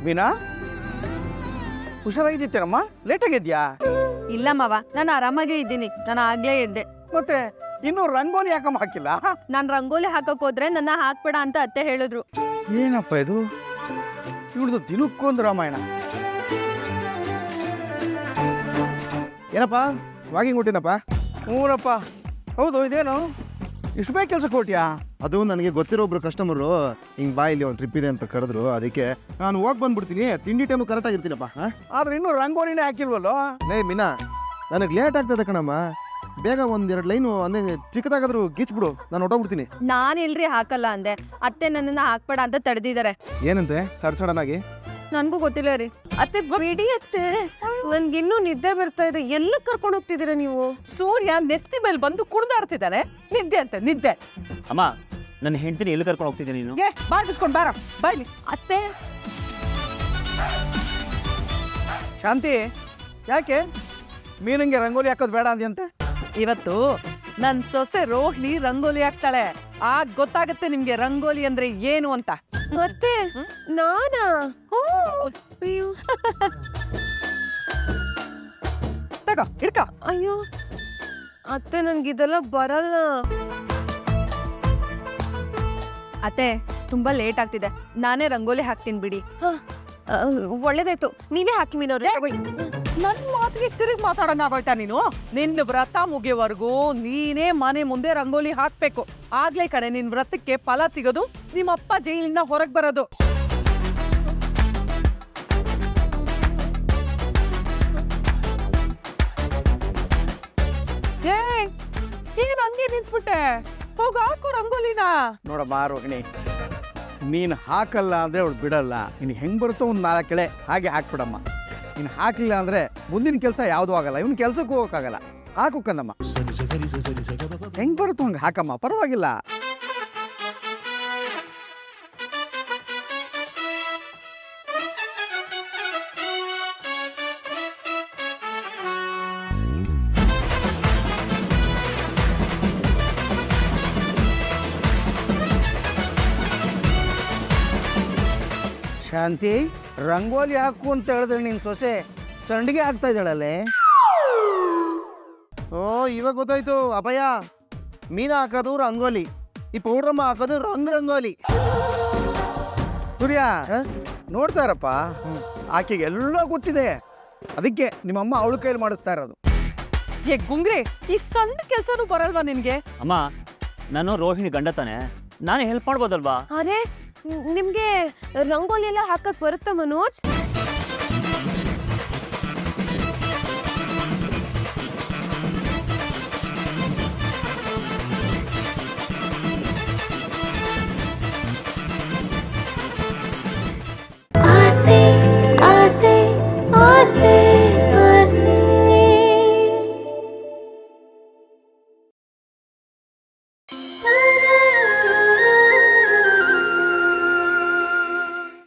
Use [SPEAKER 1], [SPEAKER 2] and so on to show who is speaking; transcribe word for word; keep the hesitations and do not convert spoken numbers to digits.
[SPEAKER 1] ಮೀನಾ ಹುಷಾರಾಗಿದ್ದೀರಮ್ಮ, late ಆಗಿದ್ಯಾ?
[SPEAKER 2] ಇಲ್ಲ ಮಾವ, ನಾನು ಆರಾಮಾಗೇ ಇದ್ದೀನಿ. ನಾನು ಆಗ್ಲೇ ಎದ್ದೆ.
[SPEAKER 1] ಮತ್ತೆ ಇನ್ನು ರಂಗೋಲಿ ಯಾಕಮ್ಮ ಹಾಕಿಲ್ಲ?
[SPEAKER 2] ನಾನು ರಂಗೋಲಿ ಹಾಕಕ್ ಹೋದ್ರೆ ನನ್ನ ಹಾಕ್ಬೇಡ ಅಂತ ಅತ್ತೆ ಹೇಳಿದ್ರು.
[SPEAKER 1] ಏನಪ್ಪ ಇದು, ಇವಳ್ದು ದಿನಕ್ಕೊಂದು ರಾಮಾಯಣ. ಏನಪ್ಪ ವಾಕಿಂಗ್ ಹೊಟ್ಟಿನಪ್ಪ? ಹ್ಞೂನಪ್ಪ. ಹೌದು, ಇದೇನು ಇಷ್ಟು ಬೇಗ ಕೆಲ್ಸಕ್ಕೆ ಹೊಟ್ಯಾ?
[SPEAKER 3] ಅದು ನನಗೆ ಗೊತ್ತಿರೋ ಒಬ್ರು ಕಸ್ಟಮರು ಹಿಂಗೆ ಬಾ ಇಲ್ಲಿ ಒಂದು ಟ್ರಿಪ್ ಇದೆ ಅಂತ ಕರೆದ್ರು, ಅದಕ್ಕೆ ನಾನು ಹೋಗಿ ಬಂದ್ಬಿಡ್ತೀನಿ. ತಿಂಡಿ ಟೈಮು ಕರೆಕ್ಟಾಗಿರ್ತೀನಪ್ಪ. ಹಾಂ,
[SPEAKER 1] ಆದ್ರೆ ಇನ್ನೂ ರಂಗೋಲಿನೇ ಹಾಕಿಲ್ವಲ್ಲೋ?
[SPEAKER 3] ಲೇ ಮೀನಾ, ನನಗೆ ಲೇಟ್ ಆಗ್ತದೆ ಕಣಮ್ಮ. ಬೇಗ ಒಂದೆರಡು ಲೈನು ಅಂದರೆ ಚಿಕ್ಕದಾಗಾದ್ರೂ ಗೀಚ್ಬಿಡು, ನಾನು ಹೊಟ್ಟೋಗ್ಬಿಡ್ತೀನಿ.
[SPEAKER 2] ನಾನು ಎಲ್ರಿ ಹಾಕಲ್ಲ ಅಂದೆ, ಅತ್ತೆ ನನ್ನನ್ನ ಹಾಕ್ಬೇಡ ಅಂತ ತಡೆದಿದ್ದಾರೆ.
[SPEAKER 3] ಏನಂತೆ ಸಡ್ ಸಡನ್ ಆಗಿ?
[SPEAKER 2] ನನ್ಗೂ ಗೊತ್ತಿಲ್ಲ ರೀ.
[SPEAKER 4] ಅತ್ತೆ ಬಿಡಿ ಅತ್ತೆ, ನನ್ಗಿನ್ನೂ ನಿದ್ದೆ ಬರ್ತಾ ಇದೆ. ಎಲ್ಲ ಕರ್ಕೊಂಡು ಹೋಗ್ತಿದ್ದೀರಾ ನೀವು?
[SPEAKER 5] ಸೂರ್ಯ ನೆತ್ತಿ ಮೇಲೆ ಬಂದು ಕುಣಿದಾಡ್ತಿದ್ದಾನೆ. ನಿದ್ದೆ ಅಂತ ನಿದ್ದೆ.
[SPEAKER 6] ಅಮ್ಮ, ನನ್ನ ಹೆಂಡತಿನ ಎಲ್ಲಿ ಕರ್ಕೊಂಡು ಹೋಗ್ತಿದ್ದೀನಿ ನೀನು?
[SPEAKER 5] ಏ ಬಾಯ್ ಬಿಸ್ಕೊಂಡು ಬಾರ ಬಾಯ್ಲಿ.
[SPEAKER 4] ಅತ್ತೆ
[SPEAKER 1] ಶಾಂತಿ, ಯಾಕೆ ಮೀನಂಗೆ ರಂಗೋಲಿ ಹಾಕೋದು ಬೇಡ ಅಂದ್ಯಂತೆ?
[SPEAKER 5] ಇವತ್ತು ನನ್ ಸೊಸೆ ರೋಹಿಣಿ ರಂಗೋಲಿ ಹಾಕ್ತಾಳೆ. ಆಗ ಗೊತ್ತಾಗುತ್ತೆ ನಿಮ್ಗೆ ರಂಗೋಲಿ ಅಂದ್ರೆ ಏನು ಅಂತ.
[SPEAKER 4] ಅತ್ತೆ ನಾನಾ? ಅಯ್ಯೋ
[SPEAKER 5] ತಗೋ ಇಡ್ಕ.
[SPEAKER 4] ಅಯ್ಯೋ ಅತ್ತೆ, ನನ್ಗಿದೆಲ್ಲ ಬರಲ್ಲ.
[SPEAKER 2] ಅತ್ತೆ ತುಂಬಾ ಲೇಟ್ ಆಗ್ತಿದೆ, ನಾನೇ ರಂಗೋಲಿ ಹಾಕ್ತೀನಿ ಬಿಡಿ.
[SPEAKER 4] ಹ, ಆ, ಒಳ್ಳೇದಾಯ್ತು, ನೀವೇ ಹಾಕಿ ಮೀನವ್ರೆ.
[SPEAKER 5] ನನ್ ಮಾತಿಗೆ ತಿರುಗಿ ಮಾತಾಡೋಣ ಆಗೋಯ್ತಾ ನೀನು? ನಿನ್ನ ವ್ರತ ಮುಗಿಯೋವರೆಗೂ ನೀನೇ ಮನೆ ಮುಂದೆ ರಂಗೋಲಿ ಹಾಕ್ಬೇಕು. ಆಗ್ಲೇ ಕಡೆ ನಿನ್ ವ್ರತಕ್ಕೆ ಫಲ ಸಿಗೋದು, ನಿಮ್ಮಪ್ಪ ಜೈಲಿಂದ ಹೊರಗ್ ಬರೋದು. ಏ ಏನ್ ಹಂಗೆ ನಿಂತ್ಬಿಟ್ಟೆ? ಹೋಗ ಹಾಕು ರಂಗೋಲಿನ.
[SPEAKER 1] ನೋಡಮ್ಮ ರೋಹಿಣಿ, ನೀನು ಹಾಕಲ್ಲ ಅಂದರೆ ಅವಳು ಬಿಡಲ್ಲ. ನೀನು ಹೆಂಗೆ ಬರುತ್ತೋ ಒಂದು ನಾಲ್ಕು ಕೆಳೆ ಹಾಗೆ ಹಾಕ್ಬಿಡಮ್ಮ. ನೀನು ಹಾಕಲಿಲ್ಲ ಅಂದರೆ ಮುಂದಿನ ಕೆಲಸ ಯಾವುದೂ ಆಗಲ್ಲ, ಇವನು ಕೆಲಸಕ್ಕೆ ಹೋಗೋಕ್ಕಾಗಲ್ಲ. ಹಾಕು ಕಂದಮ್ಮ, ಹೆಂಗೆ ಬರುತ್ತೋ ಹಂಗೆ ಹಾಕಮ್ಮ, ಪರವಾಗಿಲ್ಲ. ಶಾಂತಿ, ರಂಗೋಲಿ ಹಾಕು ಅಂತ ಹೇಳಿದ್ರೆ ನಿನ್ನ ಸೊಸೆ ಸಂಡಿಗೆ ಆಗ್ತಾ ಇದ್ದಾಳಲ್ಲೇ?
[SPEAKER 3] ಓ, ಇವಾಗ ಗೊತ್ತಾಯ್ತು ಅಭಯ. ಮೀನಾ ಹಾಕೋದು ರಂಗೋಲಿ, ಈ ಪೌಡ್ರಮ್ಮ ಹಾಕೋದು ರಂಗ್ ರಂಗೋಲಿ.
[SPEAKER 1] ಸೂರ್ಯ ನೋಡ್ತಾ ಇರಪ್ಪ, ಆಕೆಗೆ ಎಲ್ಲ ಗೊತ್ತಿದೆ. ಅದಕ್ಕೆ ನಿಮ್ಮಮ್ಮ ಅವಳ ಕೈಲಿ ಮಾಡಿಸ್ತಾ ಇರೋದು.
[SPEAKER 5] ಏ ಗುಂಗ್ರೆ, ಈ ಸಣ್ಣ ಕೆಲ್ಸನೂ ಬರಲ್ವಾ ನಿನ್ಗೆ?
[SPEAKER 6] ಅಮ್ಮ, ನಾನು ರೋಹಿಣಿ ಗಂಡ ತಾನೆ, ನಾನೇ ಹೆಲ್ಪ್ ಮಾಡ್ಬೋದಲ್ವಾ?
[SPEAKER 4] ಅರೆ, ನಿಮ್ಗೆ ರಂಗೋಲಿ ಎಲ್ಲ ಹಾಕಕ್ ಬರುತ್ತಾ ಮನೋಜ್?